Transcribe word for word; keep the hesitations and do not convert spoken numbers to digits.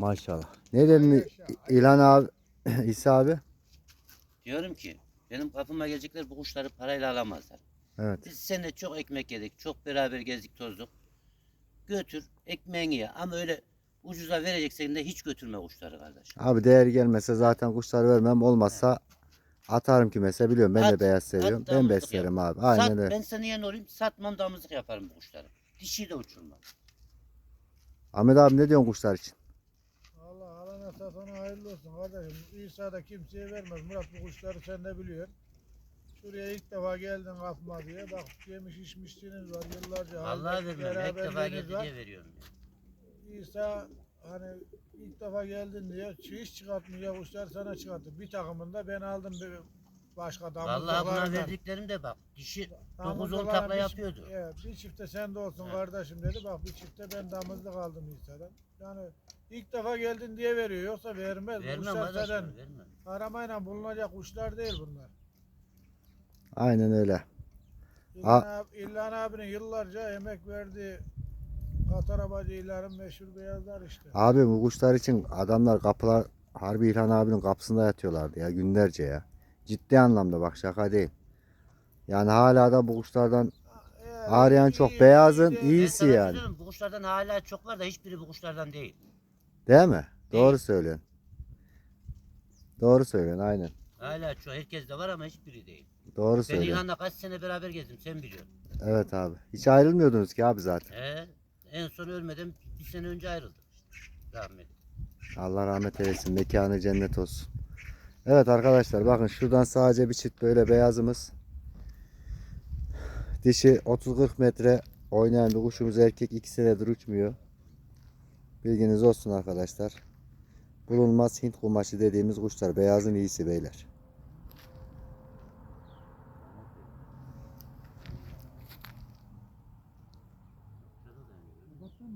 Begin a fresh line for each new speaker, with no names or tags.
Maşallah. Ne dedin İlhan abi, İsa abi?
Diyorum ki benim kapıma gelecekler, bu kuşları parayla alamazlar.
Evet.
Biz seninle çok ekmek yedik. Çok beraber gezdik tozduk. Götür ekmeğini ye. Ama öyle ucuza vereceksen de hiç götürme kuşları kardeşim.
Abi değer gelmese zaten kuşlar vermem.
He.
Olmazsa atarım kimese, biliyorum. Ben de
At,
beyaz
at
seviyorum. Ben
damızlık yap.
beslerim abi.
Sat,
Aynen öyle.
ben sana yen olayım. Satmam, damızlık yaparım bu kuşları. Dişi de uçurmam.
Ahmet abi ne diyorsun kuşlar için?
Allah alana satana hayırlı olsun kardeşim. İsa da kimseye vermez. Murat, bu kuşları sen de biliyorsun. Şuraya ilk defa geldin kapma diye. Bak, yemiş içmişliğiniz var. Yıllarca
Vallahi
halde
vermem. İlk defa
beraberliğiniz
geldi
var.
diye veriyorum. Ya.
İsa hani ilk defa geldin diye hiç çıkartmıyor kuşlar, sana çıkarttı. Bir takımında ben aldım bir başka
Vallahi buna
damızlıklarından.
verdiklerim de bak. Dişi dokuz on
Damızlıklardan
takla
bir-
yapıyordu.
Evet, bir çifte sen de olsun
He.
kardeşim dedi. Bak, bir çifte ben damızlık aldım İsa'dan. Yani ilk defa geldin diye veriyor, yoksa vermez. Bu
Vermem
kuşlar zaten
kardeşim, vermem.
aramayla bulunacak kuşlar değil bunlar.
Aynen öyle.
İlhan, abi, İlhan abinin yıllarca emek verdiği Katar Abacı İlhan'ın meşhur beyazlar işte.
Abi bu kuşlar için adamlar kapılar, harbi İlhan abinin kapısında yatıyorlardı ya günlerce ya. Ciddi anlamda, bak şaka değil. Yani hala da bu kuşlardan
Eğer
arayan
iyi-
çok.
iyi-
Beyazın
iyi de-
Ben
iyisi
sana
yani.
söylüyorum, bu kuşlardan hala çok var da hiçbiri bu kuşlardan değil.
Değil mi?
Değil.
Doğru söylüyorsun. Doğru söylüyorsun aynen.
Hala çok, herkes de var ama hiçbiri değil.
Doğru
Ben
söylüyorsun.
İlhan'la kaç sene beraber gezdim, sen biliyorsun.
Evet abi. Hiç ayrılmıyordunuz ki abi zaten.
He, en son ölmeden bir sene önce ayrıldık işte. Rahmetli.
Allah rahmet eylesin. Mekanı cennet olsun. Evet arkadaşlar, bakın şuradan sadece bir çift böyle beyazımız. Dişi otuz kırk metre oynayan bir kuşumuz, erkek iki senedir uçmuyor. Bilginiz olsun arkadaşlar. Bulunmaz Hint kumaşı dediğimiz kuşlar. Beyazın iyisi beyler.